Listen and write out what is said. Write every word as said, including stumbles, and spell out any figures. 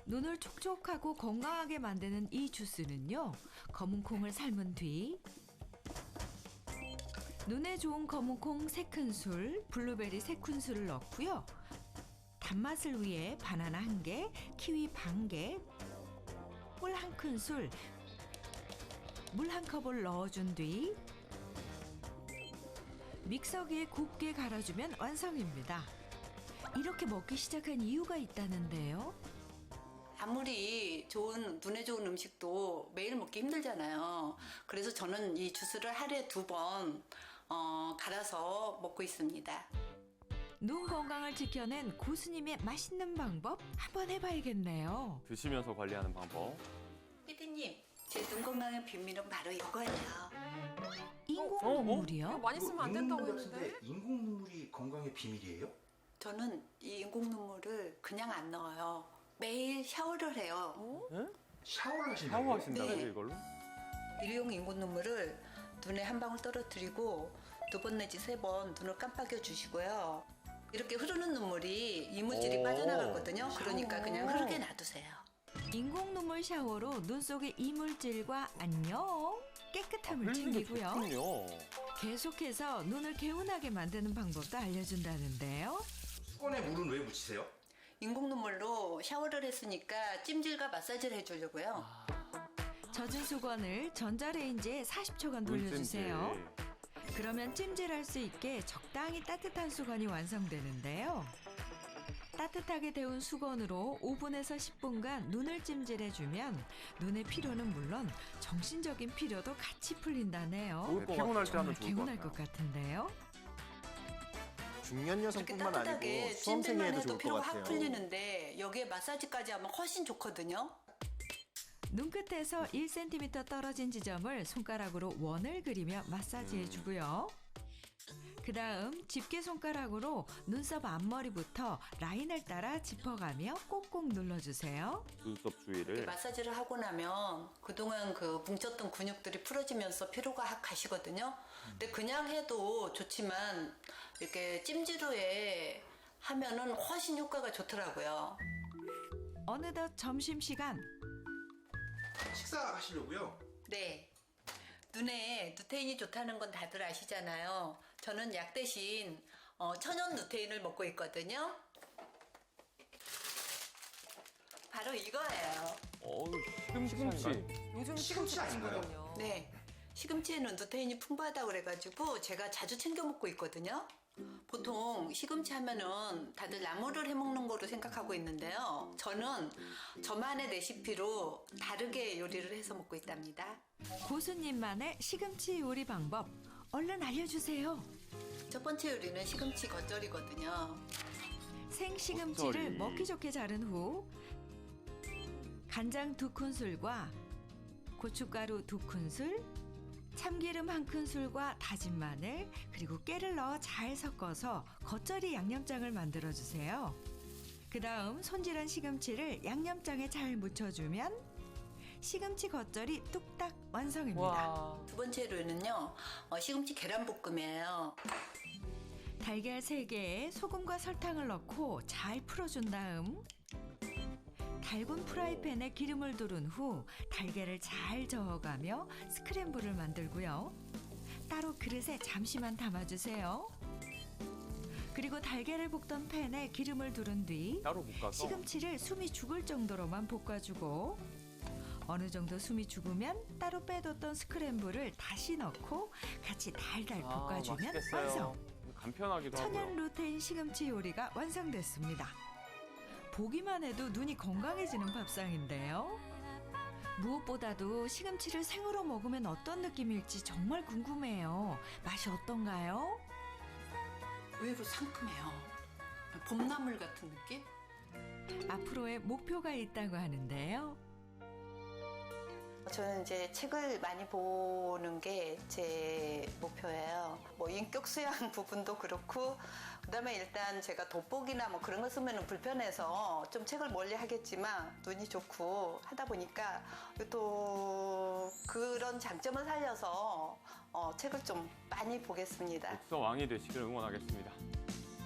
눈을 촉촉하고 건강하게 만드는 이 주스는요. 검은 콩을 삶은 뒤 눈에 좋은 검은 콩 세 큰술, 블루베리 세 큰술을 넣고요. 단맛을 위해 바나나 한 개, 키위 반 개, 꿀 한 큰술, 물 한 컵을 넣어준 뒤 믹서기에 곱게 갈아주면 완성입니다. 이렇게 먹기 시작한 이유가 있다는데요. 아무리 좋은 눈에 좋은 음식도 매일 먹기 힘들잖아요. 그래서 저는 이 주스를 하루에 두 번 어, 갈아서 먹고 있습니다. 눈 건강을 지켜낸 고수님의 맛있는 방법 한번 해봐야겠네요. 드시면서 관리하는 방법. 피디님, 제 눈 건강의 비밀은 바로 이거예요. 인공 어? 어? 눈물이요? 이거 많이 쓰면 안 된다고 했는데. 인공 눈물이 건강의 비밀이에요? 저는 이 인공 눈물을 그냥 안 넣어요. 매일 샤워를 해요. 샤워를 하신다고요? 샤워하신다고요, 네. 이걸로? 일회용 인공 눈물을 눈에 한 방울 떨어뜨리고 두 번 내지 세 번 눈을 깜빡여 주시고요. 이렇게 흐르는 눈물이 이물질이 오. 빠져나가거든요. 그러니까 그냥 흐르게 놔두세요. 인공 눈물 샤워로 눈 속의 이물질과 안녕 깨끗함을 흘리는 게 챙기고요. 좋군요. 계속해서 눈을 개운하게 만드는 방법도 알려준다는데요. 수건에 물은 왜 묻히세요? 인공 눈물로 샤워를 했으니까 찜질과 마사지를 해주려고요. 젖은 수건을 전자레인지에 사십 초간 돌려주세요. 물찜질. 그러면 찜질할 수 있게 적당히 따뜻한 수건이 완성되는데요. 따뜻하게 데운 수건으로 오 분에서 십 분간 눈을 찜질해주면 눈의 피로는 물론 정신적인 피로도 같이 풀린다네요. 좋을 것 피곤할 때 정말 하면 좋을 것 개운할 같아요. 것 같은데요. 중년 이렇게 여성뿐만 따뜻하게 아니고 찜질만 수험생에도 해도 좋을 것 피로가 확 같아요. 풀리는데 여기에 마사지까지 하면 훨씬 좋거든요. 눈끝에서 일 센티미터 떨어진 지점을 손가락으로 원을 그리며 마사지해주고요. 그 다음 집게 손가락으로 눈썹 앞머리부터 라인을 따라 짚어가며 꼭꼭 눌러주세요. 눈썹 이렇게 주위를. 마사지를 하고 나면 그동안 그 뭉쳤던 근육들이 풀어지면서 피로가 확 가시거든요. 근데 그냥 해도 좋지만 이렇게 찜질 후에 하면은 훨씬 효과가 좋더라고요. 어느덧 점심시간. 식사하시려고요? 네. 눈에 누테인이 좋다는 건 다들 아시잖아요. 저는 약 대신 어, 천연 누테인을 먹고 있거든요. 바로 이거예요. 어우, 시금치. 요즘 시금치 시금치 아닌가요? 맛있거든요. 네. 시금치에는 누테인이 풍부하다고 그래가지고 제가 자주 챙겨 먹고 있거든요. 보통 시금치 하면은 다들 나물을 해 먹는 거로 생각하고 있는데요. 저는 저만의 레시피로 다르게 요리를 해서 먹고 있답니다. 고수님만의 시금치 요리 방법 얼른 알려주세요. 첫 번째 요리는 시금치 겉절이거든요. 생시금치를 겉절이. 먹기 좋게 자른 후 간장 두 큰술과 고춧가루 두 큰술, 참기름 한 큰술과 다진 마늘 그리고 깨를 넣어 잘 섞어서 겉절이 양념장을 만들어 주세요. 그 다음 손질한 시금치를 양념장에 잘 묻혀주면 시금치 겉절이 뚝딱 완성입니다. 와. 두 번째 요리는요. 어, 시금치 계란볶음이에요. 달걀 세 개에 소금과 설탕을 넣고 잘 풀어준 다음 달군 프라이팬에 기름을 두른 후 달걀을 잘 저어가며 스크램블을 만들고요. 따로 그릇에 잠시만 담아주세요. 그리고 달걀을 볶던 팬에 기름을 두른 뒤 따로 볶아서. 시금치를 숨이 죽을 정도로만 볶아주고 어느 정도 숨이 죽으면 따로 빼뒀던 스크램블을 다시 넣고 같이 달달 아, 볶아주면 맛있겠어요. 완성. 간편하기도 천연 하고요. 루테인 시금치 요리가 완성됐습니다. 보기만 해도 눈이 건강해지는 밥상인데요. 무엇보다도 시금치를 생으로 먹으면 어떤 느낌일지 정말 궁금해요. 맛이 어떤가요? 의외로 상큼해요. 봄나물 같은 느낌? 앞으로의 목표가 있다고 하는데요. 저는 이제 책을 많이 보는 게 제 목표예요. 뭐 인격 수양 부분도 그렇고, 그다음에 일단 제가 돋보기나 뭐 그런 거 쓰면 불편해서 좀 책을 멀리 하겠지만 눈이 좋고 하다 보니까 또 그런 장점을 살려서 어, 책을 좀 많이 보겠습니다. 독서 왕이 되시길 응원하겠습니다.